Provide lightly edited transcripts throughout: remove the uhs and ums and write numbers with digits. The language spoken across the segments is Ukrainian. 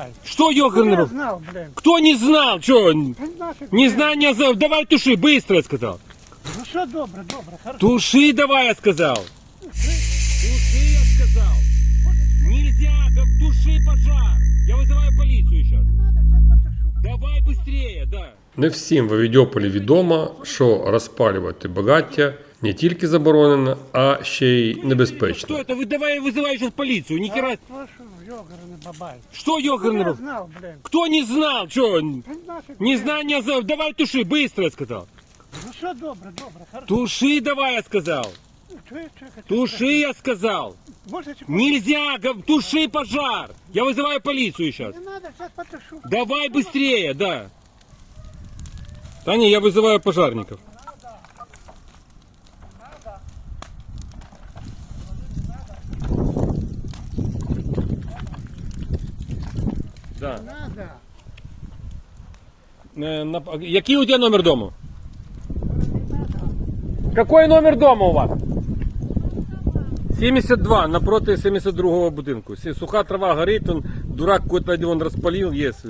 бабай. Что ёкарный Я бабай? знал, блин. Кто не знал? Что? Нафиг, блин. Незнание за... Давай туши, быстро, я сказал. Ну что, добре, хорошо. Туши давай, я сказал. Туши, я сказал. Нельзя, туши пожар. Я вызываю полицию сейчас. Надо, сейчас потушу. Давай быстрее, да. Не всім в Авідьополі відомо, що розпалювати багаття не тільки заборонено, а ще й Что небезпечно. это? Вы давай вызывай сейчас полицию. Ни хера. Слушай, ёгарный бабай. Что ёкарный Я бабай? знал, блин. Кто не знал? Что? Нафиг, блин. Незнание за... Давай туши, быстро, я сказал. Ну что, добре, хорошо. Туши давай, я сказал. Туши, я сказал. Можете... Нельзя, туши пожар. Я вызываю полицию сейчас. Не надо, сейчас потушу. Давай быстрее, да. Да не, я вызываю пожарников. Да. Надо. Який у тебя номер дома? Какой номер дома у вас? 72, напроти 72-го будинку. Суха трава горит, он, дурак какой-то он распалил, есть.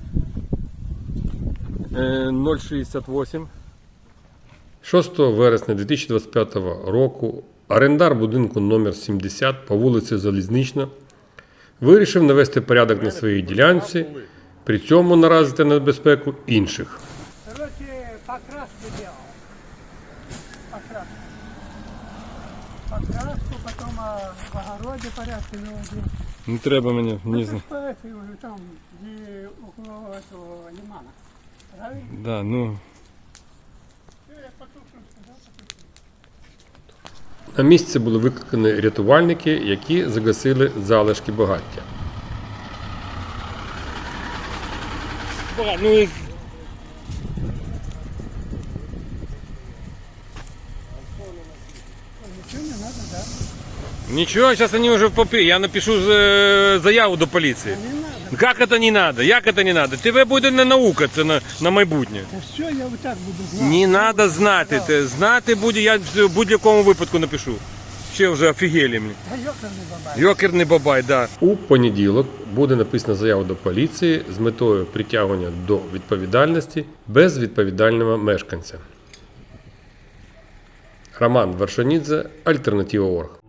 068. 6 вересня 2025 року орендар будинку номер 70 по вулиці Залізнична вирішив навести порядок на своїй ділянці, при цьому наразити на небезпеку інших. Короче, покраску делал. Покраску. Покраску, потом в огороде порядки наводил. Не треба мені, не знаю. Там, где около этого лимана. Правильно? Да, ну. Всё, я потушу, сказал, потушу. На місце були викликані рятувальники, які загасили залишки багаття. Ну и... Ничего не надо, да? Ничего, сейчас они уже в попе. Я напишу заяву до полиции. Не надо. Как это не надо? Як это не надо? Тебе буде не наука, це на майбутнє. Да все, я вот так буду знать. Не надо знати. Знати буде, я в будь-якому випадку напишу. Ще вже офігели мені. Да ёкарный бабай. Йокерний бабай, да. У понеділок буде написана заява до поліції з метою притягнення до відповідальності безвідповідального мешканця. Роман Вершанідзе, Альтернатива.орг.